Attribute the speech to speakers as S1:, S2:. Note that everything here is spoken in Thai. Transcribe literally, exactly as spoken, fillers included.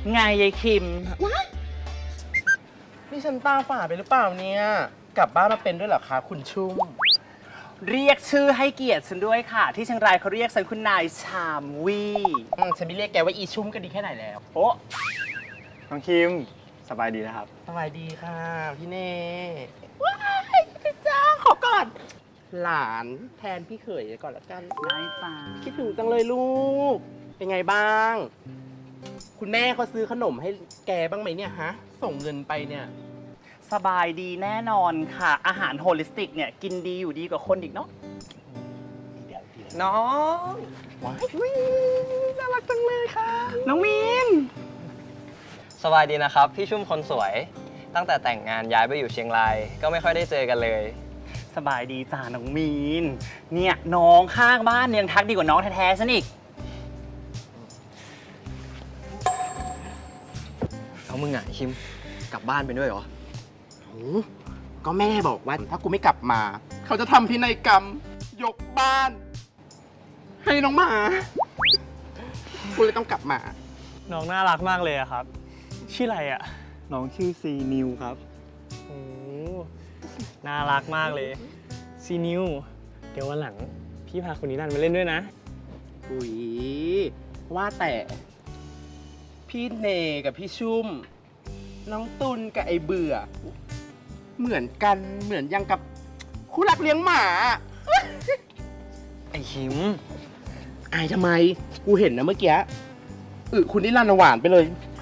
S1: ไงยายคิม
S2: นี่ฉันตาฝาดไปหรือเปล่าเนี่ย กลับบ้านมาเป็นด้วยเหรอคะคุณชุ่ม
S1: เรียกชื่อให้เกียรติฉันด้วยค่ะ ที่เชียงรายเขาเรียกฉันคุณนายชามวี
S2: อืมฉันไม่เรียกแกว่าอีชุ่มก็ดีแค่ไหนแล้ว
S1: โอ้
S3: น้องคิมสบายดีนะครับ
S2: สบายดีค่ะพี่เน่ว้ายพี่จ้าขอก่อน หลานแทนพี่เขยก่อนละกัน
S1: ได้จ้า
S2: คิดถึงจังเลยลูก เป็นไงบ้าง คุณแม่เขาซื้อขนมให้แกบ้างไหมเนี่ยฮะ ส่งเงินไปเนี่ย
S1: สบายดีแน่นอนค่ะ อาหารโฮลิสติกเนี่ยกินดีอยู่ดีกว่าคนอีกเนาะ
S3: น้อง
S2: ว้ายอุ๊ยน่ารักจังเลยค่ะ
S1: น้องมีน
S3: สบายดีนะครับ พี่ชุ่มคนสวย ตั้งแต่แต่งงานย้ายไปอยู่เชียงราย ก็ไม่ค่อยได้เจอกันเลย
S1: สบายดีจ้าน้องมีน เนี่ยน้องข้างบ้านเนี่ยยังทักดีกว่าน้องแท้ๆฉันอีก
S3: เอามึงอ่ะคิมกลับบ้านไปด้วยเหรอ
S2: โอ้ก็แม่บอกว่าถ้ากูไม่กลับมา เขาจะทำพินัยกรรม ยกบ้าน ให้น้องหมา กูเลยต้องกลับมา
S4: น้องน่ารักมากเลยอะครับ ชื่ออะไรอะ
S3: น้องชื่อซีนิวครับ
S4: โอ้น่ารักมากเลยซีนิวเดี๋ยววันหลัง พี่พาคนนี้นั่นมาเล่นด้วยนะ
S2: อุ๊ยว่าแต่ พี่เนกับพี่ชุ่ม น้องตุลกับไอเบื่อ เหมือนกันเหมือนยังกับคู่รักเลี้ยงหมา
S3: ไอคิม
S2: อายทำไม กูเห็นนะเมื่อกี้อึคุณนิรันดร์หวานไปเลย